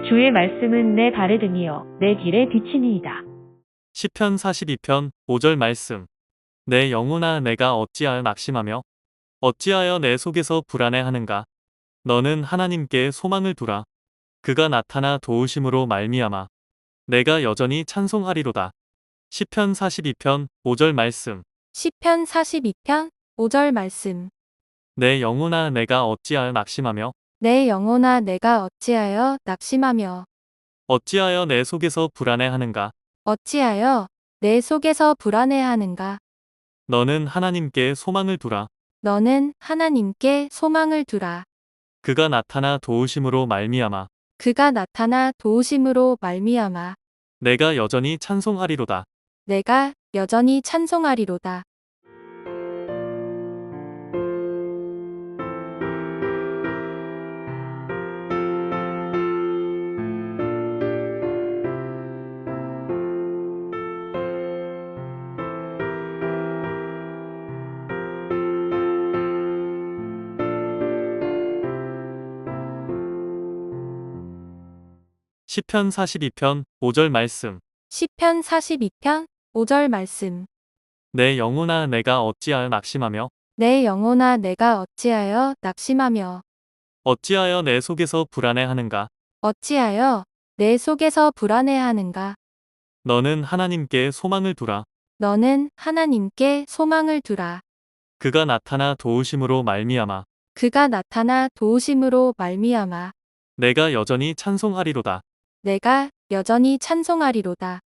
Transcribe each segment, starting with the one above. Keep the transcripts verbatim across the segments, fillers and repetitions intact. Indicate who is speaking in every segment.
Speaker 1: 주의 말씀은 내 발에 등이요 내 길에 비치니이다.
Speaker 2: 시편 사십이 편 오 절 말씀. 내 영혼아 내가 어찌하여 낙심하며 어찌하여 내 속에서 불안해하는가. 너는 하나님께 소망을 두라. 그가 나타나 도우심으로 말미암아 내가 여전히 찬송하리로다. 시편 사십이 편 오 절 말씀.
Speaker 3: 시편 사십이 편 오 절 말씀.
Speaker 2: 내 영혼아 내가 어찌하여 낙심하며
Speaker 3: 내 영혼아 내가 어찌하여 낙심하며
Speaker 2: 어찌하여 내 속에서 불안해하는가.
Speaker 3: 어찌하여 내 속에서 불안해하는가.
Speaker 2: 너는 하나님께 소망을 두라.
Speaker 3: 너는 하나님께 소망을 두라.
Speaker 2: 그가 나타나 도우심으로 말미암아
Speaker 3: 그가 나타나 도우심으로 말미암아
Speaker 2: 내가 여전히 찬송하리로다.
Speaker 3: 내가 여전히 찬송하리로다.
Speaker 2: 시편 사십이 편 오 절 말씀.
Speaker 3: 시편 사십이 편 오 절 말씀.
Speaker 2: 내 영혼아 내가 어찌하여 낙심하며
Speaker 3: 내 영혼아 내가 어찌하여 낙심하며
Speaker 2: 어찌하여 내 속에서 불안해하는가.
Speaker 3: 어찌하여 내 속에서 불안해하는가.
Speaker 2: 너는 하나님께 소망을 두라.
Speaker 3: 너는 하나님께 소망을 두라.
Speaker 2: 그가 나타나 도우심으로 말미암아
Speaker 3: 그가 나타나 도우심으로 말미암아
Speaker 2: 내가 여전히 찬송하리로다.
Speaker 3: 내가 여전히 찬송하리로다.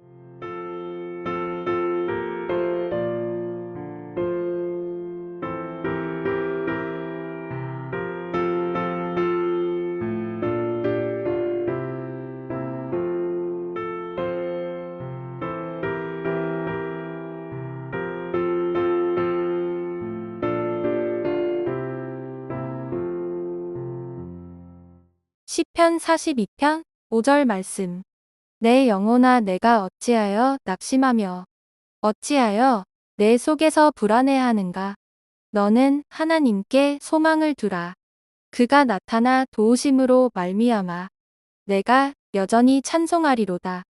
Speaker 3: 시편 사십이 편 오 절 말씀. 내 영혼아 내가 어찌하여 낙심하며 어찌하여 내 속에서 불안해하는가. 너는 하나님께 소망을 두라. 그가 나타나 도우심으로 말미암아 내가 여전히 찬송하리로다.